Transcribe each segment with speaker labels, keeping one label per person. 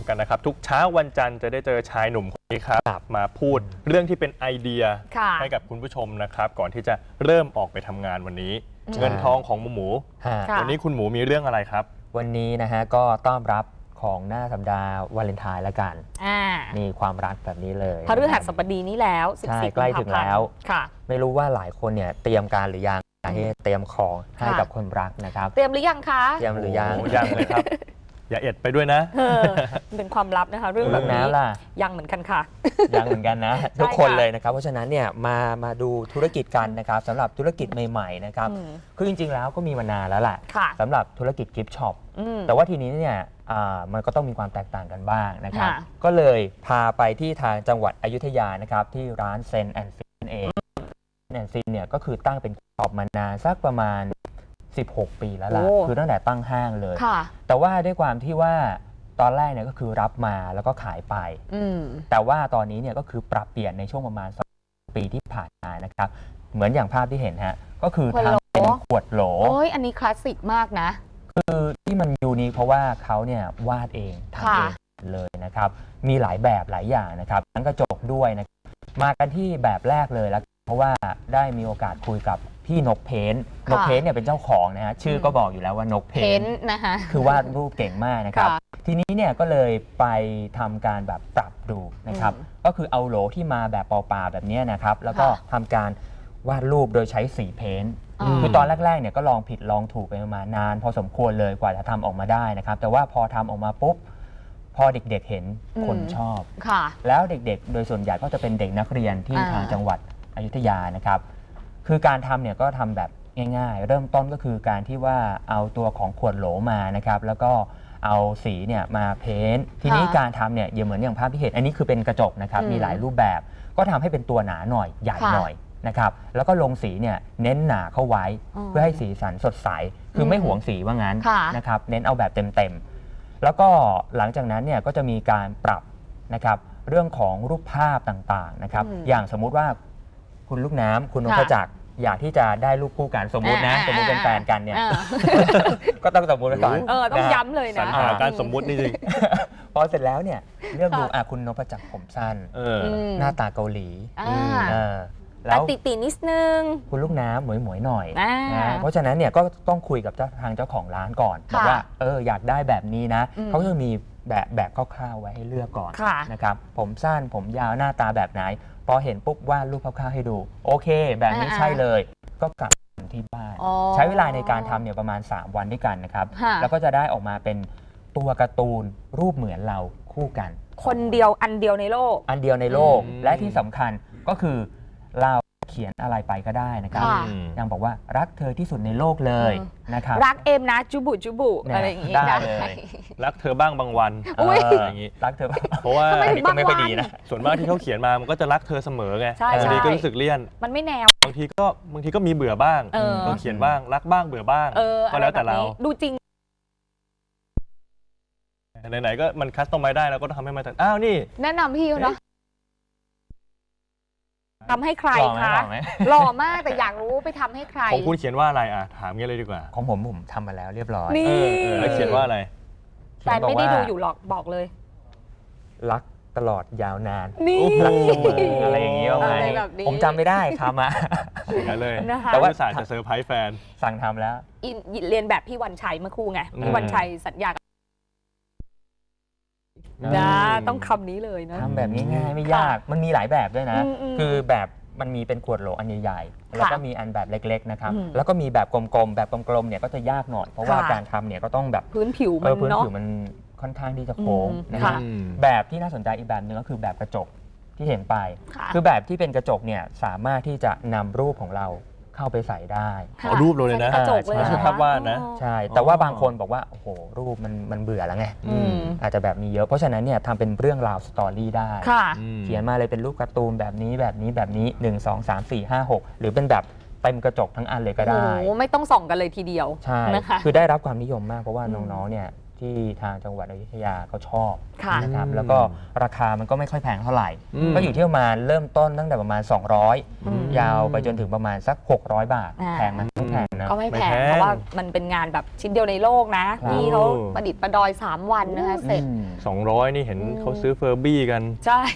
Speaker 1: กันนะครับทุกเช้าวันจันทร์จะได้เจอชายหนุ่มคนนี้ครับมาพูดเรื่องที่เป็นไอเดียให้กับคุณผู้ชมนะครับก่อนที่จะเริ่มออกไปทำงานวันนี้เงินทองของหมูวันนี้คุณหมูมีเรื่องอะไรครับ
Speaker 2: วันนี้นะฮะก็ต้อนรับของหน้าสัปดาห์วาเลนไทน์ละกันนี่ความรักแบบนี้เลย
Speaker 3: พฤหัสบดีนี้แล้ว
Speaker 2: 14ใกล้ถึงแล้วไม่รู้ว่าหลายคนเนี่ยเตรียมการหรือยังเตรียมของให้กับคนรักนะครับ
Speaker 3: เตรียมหรือยังคะ
Speaker 2: เตรียมหรือยัง
Speaker 1: เลยครับอย่าเอ็ดไปด้วยนะ
Speaker 3: เป็นความลับนะคะเรื่องแบบนี้ยังเหมือนกันค่ะ
Speaker 2: ยังเหมือนกันนะทุกคนเลยนะครับเพราะฉะนั้นเนี่ยมาดูธุรกิจกันนะครับสำหรับธุรกิจใหม่ๆนะครับคือจริงๆแล้วก็มีมานานแล้วแหละสำหรับธุรกิจกิฟต์ช็อปแต่ว่าทีนี้เนี่ยมันก็ต้องมีความแตกต่างกันบ้างนะครับก็เลยพาไปที่ทางจังหวัดอยุธยานะครับที่ร้านเซนแอนด์ฟินเองเซนแอนด์ฟินเนี่ยก็คือตั้งเป็นช็อปมานานสักประมาณ16 ปีแล้วล่ะคือตั้งแต่ตั้งห้างเลยแต่ว่าด้วยความที่ว่าตอนแรกเนี่ยก็คือรับมาแล้วก็ขายไปแต่ว่าตอนนี้เนี่ยก็คือปรับเปลี่ยนในช่วงประมาณ2 ปีที่ผ่านมานะครับเหมือนอย่างภาพที่เห็นฮะก็คือทำเป็นขวดโหล
Speaker 3: อันนี้คลาสสิกมากนะ
Speaker 2: คือที่มันยูนิคเพราะว่าเขาเนี่ยวาดเองทำเองเลยนะครับมีหลายแบบหลายอย่างนะครับทั้งกระจกด้วยนะมากันที่แบบแรกเลยแล้วเพราะว่าได้มีโอกาสคุยกับพี่นกเพ้นนกเพ้นเนี่ยเป็นเจ้าของนะฮะชื่อก็บอกอยู่แล้วว่านกเพ้น
Speaker 3: นะคะ
Speaker 2: คือวาดรูปเก่งมากนะครับทีนี้เนี่ยก็เลยไปทำการแบบปรับดูนะครับก็คือเอาโหลที่มาแบบเปล่าๆแบบนี้นะครับแล้วก็ทำการวาดรูปโดยใช้สีเพ้นคือตอนแรกๆเนี่ยก็ลองผิดลองถูกไปประมาณนานพอสมควรเลยกว่าจะทำออกมาได้นะครับแต่ว่าพอทำออกมาปุ๊บพอเด็กๆเห็นคนชอบแล้วเด็กๆโดยส่วนใหญ่ก็จะเป็นเด็กนักเรียนที่ทางจังหวัดอยุธยานะครับคือการทำเนี่ยก็ทำแบบง่ายๆเริ่มต้นก็คือการที่ว่าเอาตัวของขวดโหลมานะครับแล้วก็เอาสีเนี่ยมาเพ้นทีนี้การทำเนี่ยเหมือนอย่างภาพที่เห็นอันนี้คือเป็นกระจกนะครับมีหลายรูปแบบก็ทำให้เป็นตัวหนาหน่อยใหญ่หน่อยนะครับแล้วก็ลงสีเนี่ยเน้นหนาเข้าไว้เพื่อให้สีสันสดใสคือไม่หวงสีว่างั้นนะครับเน้นเอาแบบเต็มๆแล้วก็หลังจากนั้นเนี่ยก็จะมีการปรับนะครับเรื่องของรูปภาพต่างๆนะครับอย่างสมมุติว่าคุณลูกน้ำคุณนพจักรอยากที่จะได้รูปคู่กันสมมุตินะสมมุติเป็นแฟนกันเนี่ยก็ต้องสมมุติก่อน
Speaker 3: ต้องย้ำเลยนะ
Speaker 1: การสมมุตินี่จริง
Speaker 2: พอเสร็จแล้วเนี่ยเลือกดูคุณนพจักรผมสั้นหน้าตาเกาหลี
Speaker 3: แล้วตีนิดนึง
Speaker 2: คุณลูกน้ำหมวยๆหน่อยนะเพราะฉะนั้นเนี่ยก็ต้องคุยกับทางเจ้าของร้านก่อนบอกว่าอยากได้แบบนี้นะเขาจะมีแบบคร่าวๆไว้ให้เลือกก่อนนะครับผมสั้นผมยาวหน้าตาแบบไหนพอเห็นปุ๊บวาดรูปคร่าวๆให้ดูโอเคแบบนี้ใช่เลยก็กลับที่บ้านใช้เวลาในการทำเนี่ยประมาณ3 วันด้วยกันนะครับแล้วก็จะได้ออกมาเป็นตัวการ์ตูนรูปเหมือนเราคู่กัน
Speaker 3: คนเดียวอันเดียวในโลก
Speaker 2: และที่สำคัญก็คือเราเขียนอะไรไปก็ได้นะครับยังบอกว่ารักเธอที่สุดในโลกเลยนะครับ
Speaker 3: รักเอ็มนะจุบุอะไรอย่างงี้
Speaker 2: ได้เลย
Speaker 1: รักเธอบ้างบางวันอย่างงี้
Speaker 2: รักเธอ
Speaker 1: เพราะว่า
Speaker 2: อันนี้ก็ไม่ค่อยดีนะ
Speaker 1: ส่วนมากที่เขาเขียนมามันก็จะรักเธอเสมอไงบางทีก็รู้สึกเลี่ยน
Speaker 3: มันไม่แนว
Speaker 1: บางทีก็มีเบื่อบ้างก็เขียนบ้างรักบ้างเบื่อบ้างก็แล้วแต่เรา
Speaker 3: ดูจริง
Speaker 1: ไหนๆก็มันคัสตอมไมซ์ได้แล้วก็ทำให้มันนี่
Speaker 3: แนะนำพี่เนาะทำให้ใครคะหล่อมากแต่อยากรู้ไปทำให้ใคร
Speaker 1: ของคุณเขียนว่าอะไรถามงี้เลยดีกว่า
Speaker 2: ของผมทำมาแล้วเรียบร้อย
Speaker 1: แล้วเขียนว่าอะไร
Speaker 3: แต่ไม่ได้ดูอยู่หรอกบอกเลย
Speaker 2: รักตลอดยาวนาน
Speaker 3: รัก
Speaker 2: เสมออะไรอย่างนี้ว่าไงผมจำไม่ได้ทำมา
Speaker 1: เลยแต่ว่าจะเซอร์ไพรส์แฟน
Speaker 2: สั่งทำแล้ว
Speaker 3: เรียนแบบพี่วันชัยเมื่อครู่ไงพี่วันชัยสัญญาต้องคำนี้เลยนะ
Speaker 2: ทำแบบง่ายๆไม่ยากมันมีหลายแบบด้วยนะคือแบบมันมีเป็นขวดโหลอันใหญ่ๆแล้วก็มีอันแบบเล็กๆนะครับแล้วก็มีแบบกลมๆแบบกลมๆเนี่ยก็จะยากหน่อยเพราะว่าการทำเนี่ยก็ต้องแบบ
Speaker 3: พื้นผิว
Speaker 2: มันค่อนข้างที่จะโค้งนะครับแบบที่น่าสนใจอีกแบบนึงก็คือแบบกระจกที่เห็นไปคือแบบที่เป็นกระจกเนี่ยสามารถที่จะนำรูปของเราเข้าไปใส่ได้
Speaker 1: รูปเลยนะไม่ใช่ภาพวาดนะ
Speaker 2: ใช่แต่ว่าบางคนบอกว่าโอ้โหรูปมันเบื่อแล้วไงอาจจะแบบมีเยอะเพราะฉะนั้นเนี่ยทำเป็นเรื่องราวสตอรี่ได้เขียนมาเลยเป็นรูปการ์ตูนแบบนี้1 2 3 4 5 6หรือเป็นแบบเต็มกระจกทั้งอันเลยก็ได้
Speaker 3: โอ้ไม่ต้องส่องกันเลยทีเดียว
Speaker 2: ใช่คือได้รับความนิยมมากเพราะว่าน้องๆเนี่ยที่ทางจังหวัดอยุธยาเขาชอบนะครับแล้วก็ราคามันก็ไม่ค่อยแพงเท่าไหร่ก็อยู่ที่ประมาณเริ่มต้นตั้งแต่ประมาณ200ยาวไปจนถึงประมาณสัก600 บาทแพงไหมไม่แพงนะ
Speaker 3: ก็ไม่แพงเพราะว่ามันเป็นงานแบบชิ้นเดียวในโลกนะที่เขาประดิษฐ์ประดอย3 วันนะคะเสร็จ
Speaker 1: 200นี่เห็นเขาซื้อเฟอร์บี้กัน
Speaker 3: ใช่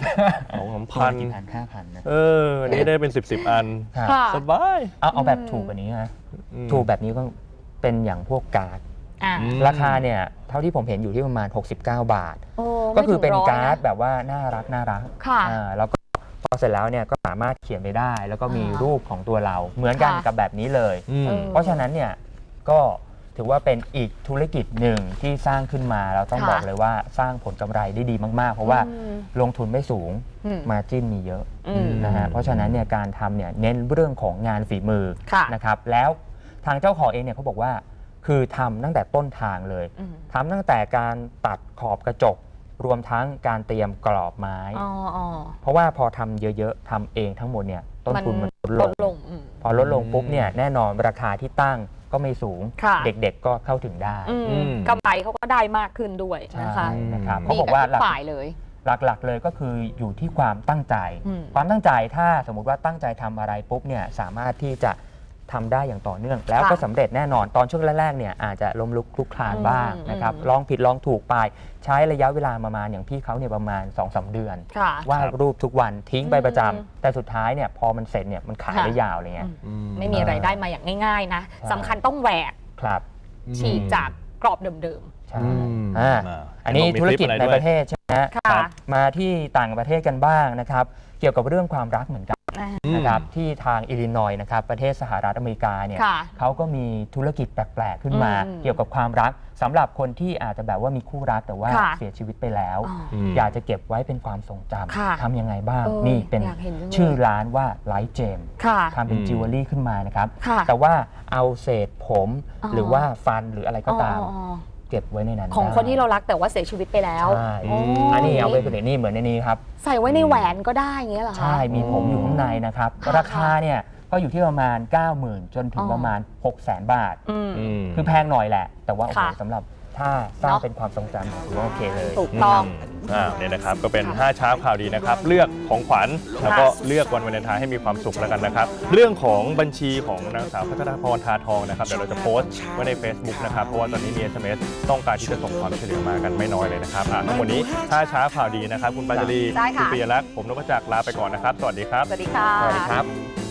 Speaker 2: 2,000-5,000นะ
Speaker 1: นี่ได้เป็น10อันสบาย
Speaker 2: เอาแบบถูกแบบนี้นะถูกแบบนี้ก็เป็นอย่างพวกการ์ดราคาเนี่ยเท่าที่ผมเห็นอยู่ที่ประมาณ69 บาทก็คือเป็นการ์ดแบบว่าน่ารักแล้วก็พอเสร็จแล้วเนี่ยก็สามารถเขียนไปได้แล้วก็มีรูปของตัวเราเหมือนกันกับแบบนี้เลยเพราะฉะนั้นเนี่ยก็ถือว่าเป็นอีกธุรกิจหนึ่งที่สร้างขึ้นมาเราต้องบอกเลยว่าสร้างผลกำไรได้ดีมากๆเพราะว่าลงทุนไม่สูงมาจิ้นมีเยอะนะฮะเพราะฉะนั้นเนี่ยการทำเนี่ยเน้นเรื่องของงานฝีมือนะครับแล้วทางเจ้าของเองเนี่ยเขาบอกว่าคือทำตั้งแต่ต้นทางเลยทำตั้งแต่การตัดขอบกระจกรวมทั้งการเตรียมกรอบไม้เพราะว่าพอทำเยอะๆทำเองทั้งหมดเนี่ยต้นทุนมันลดลงพอลดลงปุ๊บเนี่ยแน่นอนราคาที่ตั้งก็ไม่สูงเด็กๆก็เข้าถึงได้
Speaker 3: กำไรเขาก็ได้มากขึ้นด้วยนะคะ
Speaker 2: เขาบอกว่า
Speaker 3: ฝ่ายเลย
Speaker 2: หลักๆเลยก็คืออยู่ที่ความตั้งใจถ้าสมมุติว่าตั้งใจทำอะไรปุ๊บเนี่ยสามารถที่จะทำได้อย่างต่อเนื่องแล้วก็สำเร็จแน่นอนตอนช่วงแรกๆเนี่ยอาจจะล้มลุกคลุกคลานบ้างนะครับลองผิดลองถูกไปใช้ระยะเวลาประมาณอย่างพี่เขาเนี่ยประมาณ 2-3 เดือนวาดรูปทุกวันทิ้งไปประจำแต่สุดท้ายเนี่ยพอมันเสร็จเนี่ยมันขายได้ยาวเลยไง
Speaker 3: ไม่มีอะไรได้มาอย่างง่ายๆนะสำคัญต้องแหวกฉีกจากกรอบเดิม
Speaker 2: อันนี้ธุรกิจในประเทศใช่ไหมมาที่ต่างประเทศกันบ้างนะครับเกี่ยวกับเรื่องความรักเหมือนกันนะครับที่ทางอิลลินอยส์นะครับประเทศสหรัฐอเมริกาเนี่ยเขาก็มีธุรกิจแปลกๆขึ้นมาเกี่ยวกับความรักสำหรับคนที่อาจจะแบบว่ามีคู่รักแต่ว่าเสียชีวิตไปแล้วอยากจะเก็บไว้เป็นความทรงจำทำยังไงบ้างนี่เป็นชื่อร้านว่าไลท์เจมทำเป็นจิวเวลรี่ขึ้นมานะครับแต่ว่าเอาเศษผมหรือว่าฟันหรืออะไรก็ตามเก็บไว้ในนั้น
Speaker 3: ของคนที่เรารักแต่ว่าเสียชีวิตไปแล้ว
Speaker 2: อันนี้เอาไว้เป็นนี่เหมือนในนี้ครับ
Speaker 3: ใส่ไว้ในแหวนก็ได้อย่างเงี้ยเหรอคะ
Speaker 2: ใช่มีผมอยู่ข้างในนะครับราคาเนี่ยก็อยู่ที่ประมาณ 90,000 จนถึงประมาณ 600,000 บาทคือแพงหน่อยแหละแต่ว่าโอ้โหสำหรับถ้าสร้างเป็นความทรงจำถือว่าโอเคเลย
Speaker 3: ถูกต้อง
Speaker 1: เนี่ยนะครับก็เป็น5เช้าข่าวดีนะครับเลือกของขวัญแล้วก็เลือกวันวาเลนไทน์ให้มีความสุขแล้วกันนะครับเรื่องของบัญชีของนางสาวพัชรพรทาทองนะครับเดี๋ยวเราจะโพสต์ไว้ใน Facebook นะครับเพราะว่าตอนนี้มี SMS ต้องการที่จะส่งความช่วยเหลือมากันไม่น้อยเลยนะครับทั้งหมดนี้5เช้าข่าวดีนะครับคุณปาจารีคุณปิยลักษณ์ผมนพจักรลาไปก่อนนะครับสวัสดีครับ
Speaker 3: สวัสดีค่ะ
Speaker 2: สวัสดีครับ